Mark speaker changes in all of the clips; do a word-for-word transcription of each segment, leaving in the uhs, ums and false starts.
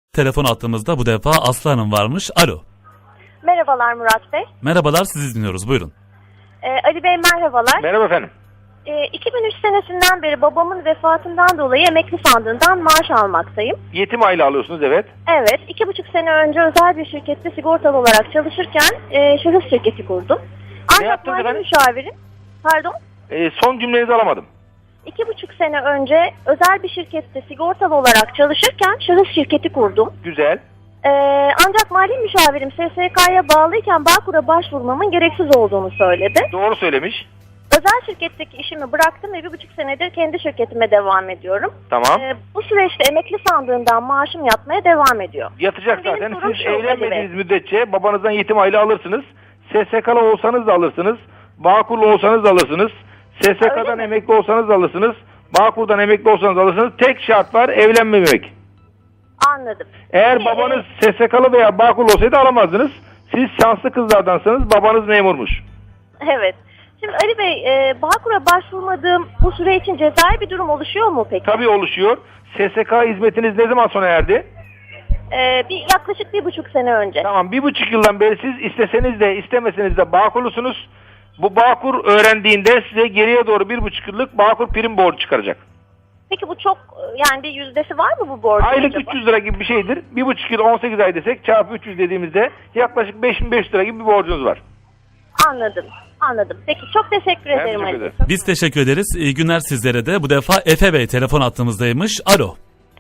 Speaker 1: Telefon attığımızda bu defa Aslı Hanım varmış. Alo.
Speaker 2: Merhabalar Murat Bey.
Speaker 1: Merhabalar, sizi dinliyoruz. Buyurun.
Speaker 2: Ee, Ali Bey merhabalar.
Speaker 3: Merhaba efendim.
Speaker 2: Ee, iki bin üç senesinden beri babamın vefatından dolayı emekli sandığından maaş almaktayım.
Speaker 3: Yetim aile alıyorsunuz, evet.
Speaker 2: Evet, iki buçuk sene önce özel bir şirkette sigortalı olarak çalışırken e, şahıs şirketi kurdum. Ancak
Speaker 3: yaptınız
Speaker 2: mali
Speaker 3: efendim?
Speaker 2: müşavirim, pardon,
Speaker 3: Ee, son cümlenizi alamadım.
Speaker 2: iki buçuk sene önce özel bir şirkette sigortalı olarak çalışırken şahıs şirketi kurdum.
Speaker 3: Güzel.
Speaker 2: Ee, ancak mali müşavirim S S K'ya bağlıyken Bağkur'a başvurmamın gereksiz olduğunu söyledi.
Speaker 3: Doğru söylemiş.
Speaker 2: Özel şirketteki işimi bıraktım ve bir buçuk senedir kendi şirketime devam ediyorum.
Speaker 3: Tamam.
Speaker 2: Ee, bu süreçte emekli sandığından maaşım yatmaya devam ediyor.
Speaker 3: Yatacak
Speaker 2: Benim
Speaker 3: zaten.
Speaker 2: sorum
Speaker 3: Siz
Speaker 2: şu,
Speaker 3: evlenmediğiniz
Speaker 2: Ali
Speaker 3: müddetçe babanızdan yetim aile alırsınız. S S K'lı olsanız da alırsınız. Bağkurlu olsanız da alırsınız. S S K'dan emekli olsanız da alırsınız. Bağkur'dan emekli olsanız da alırsınız. Tek şart var, evlenmemek.
Speaker 2: Anladım.
Speaker 3: Eğer
Speaker 2: Peki,
Speaker 3: babanız S S K'lı veya Bağkurlu olsaydı alamazdınız. Siz şanslı kızlardansınız. Babanız memurmuş.
Speaker 2: Evet. Şimdi Ali Bey, e, Bağkur'a başvurmadığım bu süre için cezai bir durum oluşuyor mu peki?
Speaker 3: Tabii oluşuyor. S S K hizmetiniz ne zaman sona erdi?
Speaker 2: Ee, bir yaklaşık bir buçuk sene önce.
Speaker 3: Tamam, bir buçuk yıldan beri siz isteseniz de istemeseniz de Bağkurlusunuz. Bu Bağkur öğrendiğinde size geriye doğru bir buçuk yıllık Bağkur prim borcu çıkaracak.
Speaker 2: Peki bu çok, yani bir yüzdesi var mı bu borcun?
Speaker 3: Aylık
Speaker 2: acaba?
Speaker 3: üç yüz lira gibi bir şeydir. Bir buçuk yıl on sekiz ay desek çarpı üç yüz dediğimizde yaklaşık beş bin beş yüz lira gibi bir borcunuz var.
Speaker 2: Anladım. Anladım. Peki çok teşekkür ederim
Speaker 3: teşekkür
Speaker 2: Ali Bey.
Speaker 3: ederim.
Speaker 1: Biz teşekkür ederiz. İyi günler sizlere de. Bu defa Efe Bey telefon attığımızdaymış. Alo.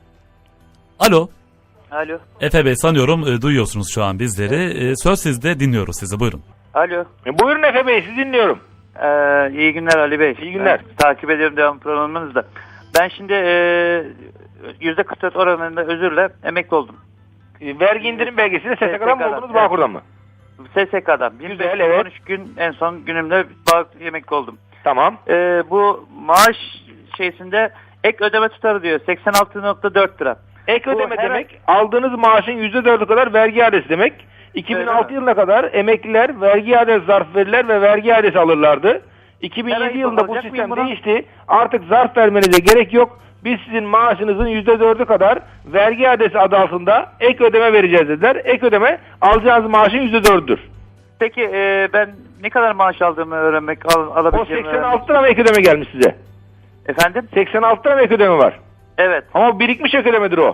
Speaker 1: Alo.
Speaker 4: Alo.
Speaker 1: Efe Bey, sanıyorum e, duyuyorsunuz şu an bizleri. E, söz sizde, dinliyoruz sizi. Buyurun.
Speaker 4: Alo.
Speaker 3: E, buyurun Efe Bey, sizi dinliyorum.
Speaker 4: Ee, iyi günler Ali Bey.
Speaker 3: İyi günler.
Speaker 4: Ben takip ediyorum devam programınızda. Ben şimdi e, yüzde kırk dört oranında özürle emekli oldum.
Speaker 3: E, vergi indirim belgesini S S K'dan mı oldunuz,
Speaker 4: evet.
Speaker 3: Bağkur'dan mı?
Speaker 4: S S K'dan.
Speaker 3: Güzel,
Speaker 4: bin beş yüz on üç
Speaker 3: evet.
Speaker 4: gün en son günümde bağ, emekli oldum.
Speaker 3: Tamam.
Speaker 4: Ee, bu maaş şeysinde ek ödeme tutarı diyor. seksen altı nokta dört lira.
Speaker 3: Ek
Speaker 4: Bu
Speaker 3: ödeme
Speaker 4: her-
Speaker 3: demek, aldığınız maaşın yüzde dördü kadar vergi iadesi demek. iki bin altı
Speaker 4: Öyle
Speaker 3: yılına kadar emekliler vergi iadesi zarf verirler ve vergi iadesi alırlardı. iki bin
Speaker 4: Her
Speaker 3: yedi
Speaker 4: ay
Speaker 3: yılında bu
Speaker 4: alacak
Speaker 3: sistem
Speaker 4: mıyım bunu?
Speaker 3: değişti. Artık zarf vermenize gerek yok. Biz sizin maaşınızın yüzde dördü kadar vergi iadesi adı altında ek ödeme vereceğiz dediler. Ek ödeme alacağınız maaşın yüzde dördüdür.
Speaker 4: Peki e, ben ne kadar maaş aldığımı öğrenmek, al,
Speaker 3: O
Speaker 4: alabileceğimi
Speaker 3: seksen
Speaker 4: öğrenmek.
Speaker 3: altı lira mı ek ödeme gelmiş size?
Speaker 4: Efendim?
Speaker 3: seksen altı lira mı ek ödeme var?
Speaker 4: Evet.
Speaker 3: Ama birikmiş ek ödemedir o.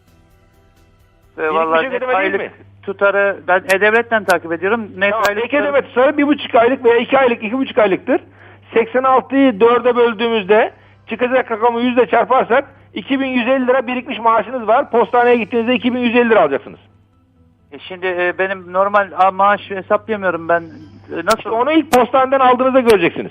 Speaker 4: E, vallahi
Speaker 3: ek
Speaker 4: net
Speaker 3: ödeme değil
Speaker 4: aylık
Speaker 3: mi?
Speaker 4: tutarı ben E-Devlet'ten takip ediyorum. Net
Speaker 3: Tamam,
Speaker 4: aylık
Speaker 3: ek
Speaker 4: tutarı-
Speaker 3: ödeme tutarı bir buçuk aylık veya iki aylık, iki buçuk aylıktır. seksen altıyı dörde böldüğümüzde çıkacak rakamı yüzle çarparsak iki bin yüz elli lira birikmiş maaşınız var. Postaneye gittiğinizde iki bin yüz elli lira alacaksınız.
Speaker 4: E şimdi e, benim normal a, maaş hesaplayamıyorum ben. E, nasıl?
Speaker 3: İşte onu ilk postaneden aldığınızda göreceksiniz.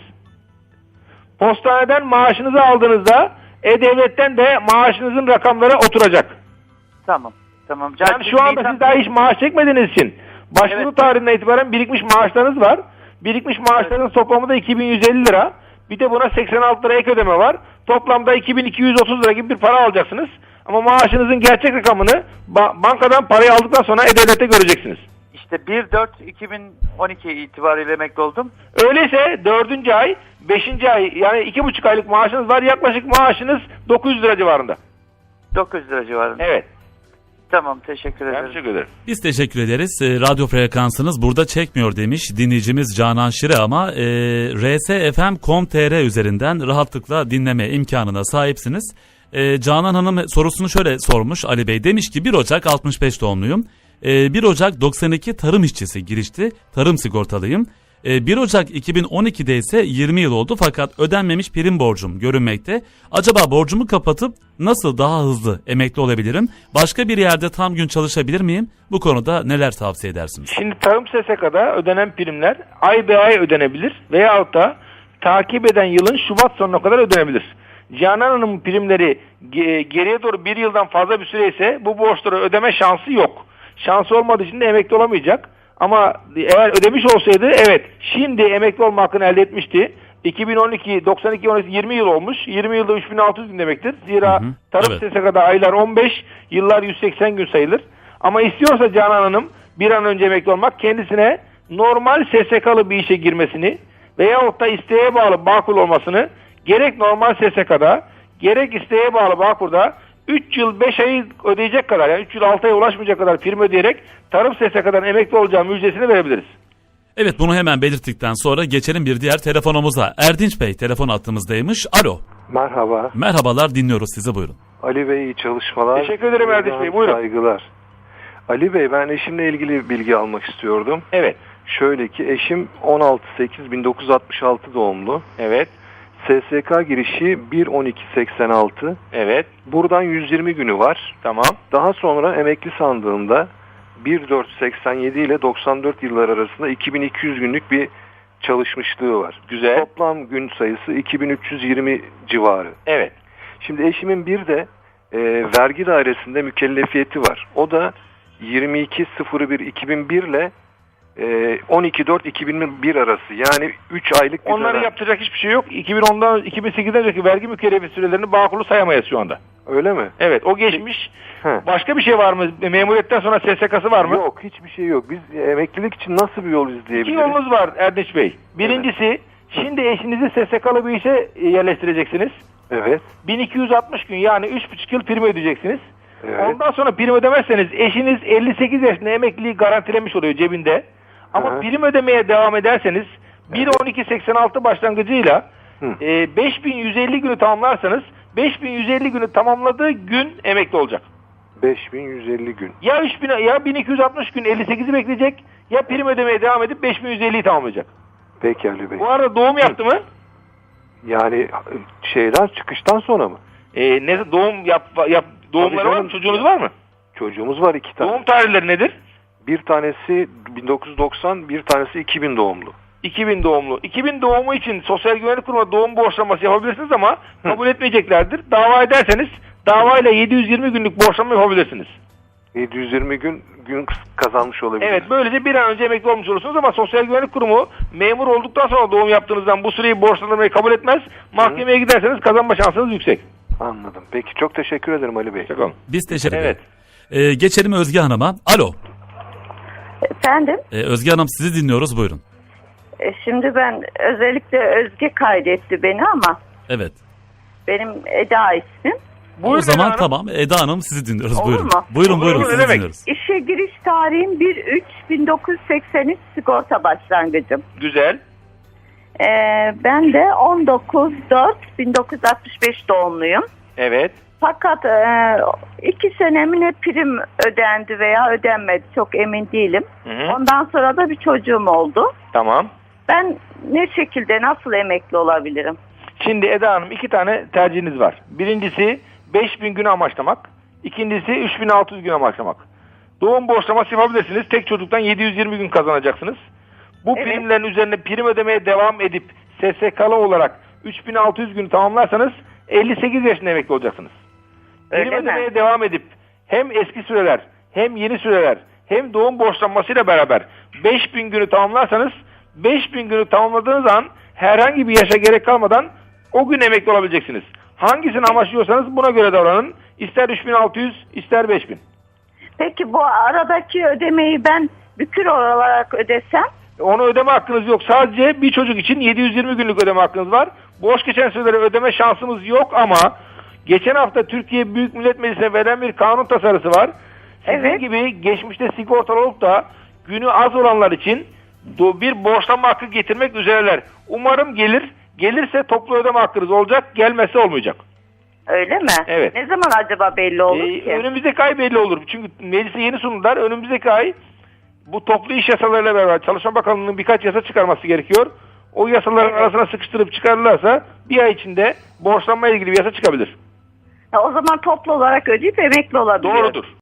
Speaker 3: Postaneden maaşınızı aldığınızda E-Devlet'ten de maaşınızın rakamları oturacak.
Speaker 4: Tamam. Tamam.
Speaker 3: Yani şu anda siz daha hiç maaş çekmediğiniz için başvuru
Speaker 4: Evet.
Speaker 3: tarihinden itibaren birikmiş maaşlarınız var. Birikmiş maaşların toplamı da iki bin yüz elli lira. Bir de buna seksen altı lira ek ödeme var. Toplamda iki bin iki yüz otuz lira gibi bir para alacaksınız. Ama maaşınızın gerçek rakamını ba- bankadan parayı aldıktan sonra E-Devlet'te göreceksiniz.
Speaker 4: İşte bir dört iki bin on iki itibariyle emekli oldum.
Speaker 3: Öyleyse dördüncü ay, beşinci ay yani iki buçuk aylık maaşınız var. Yaklaşık maaşınız dokuz yüz lira civarında.
Speaker 4: dokuz yüz lira civarında.
Speaker 3: Evet.
Speaker 4: Tamam, teşekkür
Speaker 3: Ben
Speaker 4: ederim.
Speaker 3: teşekkür ederim.
Speaker 1: Biz teşekkür ederiz. E, radyo frekansınız burada çekmiyor demiş dinleyicimiz Canan Şire, ama e, r s f m nokta com nokta t r üzerinden rahatlıkla dinleme imkanına sahipsiniz. E, Canan Hanım sorusunu şöyle sormuş Ali Bey. Demiş ki bir Ocak altmış beş doğumluyum. E, bir Ocak doksan iki tarım işçisi girişti. Tarım sigortalıyım. E, bir Ocak iki bin on ikide ise yirmi yıl oldu fakat ödenmemiş prim borcum görünmekte. Acaba borcumu kapatıp nasıl daha hızlı emekli olabilirim? Başka bir yerde tam gün çalışabilir miyim? Bu konuda neler tavsiye edersiniz?
Speaker 3: Şimdi tarım S S K'da ödenen primler ay be ay ödenebilir veyahut da takip eden yılın Şubat sonuna kadar ödenebilir. Canan Hanım'ın primleri ge- geriye doğru bir yıldan fazla bir süre ise bu borçları ödeme şansı yok. Şansı olmadığı için de emekli olamayacak. Ama eğer ödemiş olsaydı evet şimdi emekli olma hakkını elde etmişti. iki bin on iki, doksan iki, on iki, yirmi yıl olmuş. yirmi yılda üç bin altı yüz gün demektir. Zira
Speaker 1: Hı hı,
Speaker 3: tarım
Speaker 1: evet.
Speaker 3: S S K'da aylar on beş, yıllar yüz seksen gün sayılır. Ama istiyorsa Canan Hanım bir an önce emekli olmak, kendisine normal S S K'lı bir işe girmesini veyahut da isteğe bağlı Bağkur olmasını gerek normal S S K'da gerek isteğe bağlı Bağkur'da üç yıl beş ayı ödeyecek kadar, yani üç yıl altı aya ulaşmayacak kadar prim ödeyerek tarım S S K'dan emekli olacağı müjdesini verebiliriz.
Speaker 1: Evet, bunu hemen belirttikten sonra geçelim bir diğer telefonumuza. Erdinç Bey telefon attığımızdaymış. Alo.
Speaker 5: Merhaba.
Speaker 1: Merhabalar, dinliyoruz sizi, buyurun.
Speaker 5: Ali Bey, iyi çalışmalar.
Speaker 3: Teşekkür ederim Erdinç Bey, buyurun.
Speaker 5: Saygılar. Ali Bey, ben eşimle ilgili bilgi almak istiyordum.
Speaker 3: Evet.
Speaker 5: Şöyle ki, eşim on altı sekiz bin dokuz yüz altmış altı doğumlu.
Speaker 3: Evet.
Speaker 5: S S K girişi bir on iki seksen altı.
Speaker 3: Evet.
Speaker 5: Buradan yüz yirmi günü var.
Speaker 3: Tamam.
Speaker 5: Daha sonra emekli sandığında bir dört seksen yedi ile doksan dört yıllar arasında iki bin iki yüz günlük bir çalışmışlığı var.
Speaker 3: Güzel.
Speaker 5: Toplam gün sayısı iki bin üç yüz yirmi civarı.
Speaker 3: Evet.
Speaker 5: Şimdi eşimin bir de e, vergi dairesinde mükellefiyeti var. O da yirmi iki sıfır bir iki bin bir ile e, on iki dört iki bin bir arası. Yani üç aylık bir
Speaker 3: Onların
Speaker 5: dönem.
Speaker 3: yapacak hiçbir şey yok. iki bin ondan iki bin sekizden önceki vergi mükellefi sürelerini Bağkur'u sayamayız şu anda.
Speaker 5: Öyle mi?
Speaker 3: Evet, o geçmiş.
Speaker 5: He.
Speaker 3: Başka bir şey var mı? Memuriyetten sonra S S K'sı var mı?
Speaker 5: Yok, hiçbir şey yok. Biz e, emeklilik için nasıl bir yol
Speaker 3: İki
Speaker 5: izleyebiliriz?
Speaker 3: yolunuz var Erdinç Bey. Birincisi, şimdi eşinizi S S K'lı bir işe yerleştireceksiniz.
Speaker 5: Evet.
Speaker 3: bin iki yüz altmış gün, yani üç buçuk yıl prim ödeyeceksiniz.
Speaker 5: Evet.
Speaker 3: Ondan sonra prim ödemezseniz eşiniz elli sekiz yaşında emekliliği garantilemiş oluyor cebinde. Ama
Speaker 5: Hı hı.
Speaker 3: prim ödemeye devam ederseniz bir on iki seksen altı başlangıcıyla
Speaker 5: Hı.
Speaker 3: e, beş bin yüz elli günü tamamlarsanız beş bin yüz elli günü tamamladığı gün emekli olacak.
Speaker 5: beş bin yüz elli gün.
Speaker 3: Ya üç bin, ya bin iki yüz altmış gün elli sekizi bekleyecek, ya prim ödemeye devam edip beş bin yüz elliyi tamamlayacak.
Speaker 5: Peki Ali Bey.
Speaker 3: Bu arada doğum yaptı mı?
Speaker 5: Yani şeyden, çıkıştan sonra mı?
Speaker 3: E, ne doğum yap, yap doğumları
Speaker 5: Tabii
Speaker 3: var
Speaker 5: canım.
Speaker 3: mı? Çocuğunuz var mı?
Speaker 5: Çocuğumuz var, iki tane.
Speaker 3: Doğum tarihleri nedir?
Speaker 5: Bir tanesi bin dokuz yüz doksan, bir tanesi iki bin doğumlu.
Speaker 3: iki bin doğumlu. iki bin doğumu için Sosyal Güvenlik Kurumu'na doğum borçlanması yapabilirsiniz ama kabul etmeyeceklerdir. Dava ederseniz davayla yedi yüz yirmi günlük borçlanma yapabilirsiniz.
Speaker 5: yedi yüz yirmi gün gün kazanmış olabilir.
Speaker 3: Evet, böylece bir an önce emekli olmuş olursunuz ama Sosyal Güvenlik Kurumu memur olduktan sonra doğum yaptığınızdan bu süreyi borçlandırmayı kabul etmez. Mahkemeye giderseniz kazanma şansınız yüksek.
Speaker 5: Anladım. Peki, çok teşekkür ederim Ali Bey.
Speaker 3: Hoşçakalın.
Speaker 1: Biz teşekkür
Speaker 3: Evet.
Speaker 1: ederiz. Ee, geçelim Özge Hanım'a. Alo.
Speaker 6: Efendim,
Speaker 1: Ee, Özge Hanım, sizi dinliyoruz, buyurun.
Speaker 6: e, şimdi ben özellikle Özge kaydetti beni ama
Speaker 1: Evet.
Speaker 6: benim Eda ismim.
Speaker 3: Buyurun
Speaker 1: o zaman
Speaker 3: Eda Hanım.
Speaker 1: tamam, Eda Hanım sizi dinliyoruz,
Speaker 6: Olur
Speaker 1: buyurun.
Speaker 6: mu?
Speaker 1: Buyurun
Speaker 3: Olur,
Speaker 1: buyurun,
Speaker 3: olur,
Speaker 1: sizi
Speaker 3: ne demek?
Speaker 1: dinliyoruz.
Speaker 6: İşe giriş tarihim bir üç bin dokuz yüz seksen üç sigorta başlangıcım.
Speaker 3: Güzel.
Speaker 6: E, ben de on dokuz dört bin dokuz yüz altmış beş doğumluyum.
Speaker 3: Evet.
Speaker 6: Fakat e, iki senemine prim ödendi veya ödenmedi, çok emin değilim.
Speaker 3: Hı hı.
Speaker 6: Ondan sonra da bir çocuğum oldu.
Speaker 3: Tamam.
Speaker 6: Ben ne şekilde, nasıl emekli olabilirim?
Speaker 3: Şimdi Eda Hanım, iki tane tercihiniz var. Birincisi beş bin günü amaçlamak. İkincisi üç bin altı yüz gün amaçlamak. Doğum borçlaması yapabilirsiniz. Tek çocuktan yedi yüz yirmi gün kazanacaksınız. Bu
Speaker 6: Evet.
Speaker 3: primlerin üzerine prim ödemeye devam edip S S K'lı olarak üç bin altı yüz günü tamamlarsanız elli sekiz yaşında emekli olacaksınız. Prim
Speaker 6: Öyle mi?
Speaker 3: ödemeye devam edip hem eski süreler hem yeni süreler hem doğum borçlanmasıyla beraber beş bin günü tamamlarsanız beş bin günü tamamladığınız an herhangi bir yaşa gerek kalmadan o gün emekli olabileceksiniz. Hangisini amaçlıyorsanız buna göre davranın. İster üç bin altı yüz, ister beş bin.
Speaker 6: Peki bu aradaki ödemeyi ben bükür olarak ödesem?
Speaker 3: Onu ödeme hakkınız yok. Sadece bir çocuk için yedi yüz yirmi günlük ödeme hakkınız var. Boş geçen süreleri ödeme şansımız yok ama geçen hafta Türkiye Büyük Millet Meclisi'ne verilen bir kanun tasarısı var. Sizin
Speaker 6: Evet.
Speaker 3: gibi geçmişte sigortalı olup da günü az olanlar için do- bir borçlanma hakkı getirmek üzereler. Umarım gelir. Gelirse toplu ödeme hakkınız olacak. Gelmezse olmayacak.
Speaker 6: Öyle mi?
Speaker 3: Evet.
Speaker 6: Ne zaman acaba belli olur
Speaker 3: Ee,
Speaker 6: ki?
Speaker 3: önümüzdeki ay belli olur. Çünkü meclise yeni sundular. Önümüzdeki ay bu toplu iş yasalarıyla beraber Çalışma Bakanlığı'nın birkaç yasa çıkarması gerekiyor. O yasaların
Speaker 6: Evet.
Speaker 3: arasına sıkıştırıp çıkarırlarsa bir ay içinde borçlanma ilgili bir yasa çıkabilir.
Speaker 6: Ha, o zaman toplu olarak ödeyip emekli olabilirim.
Speaker 3: Doğrudur.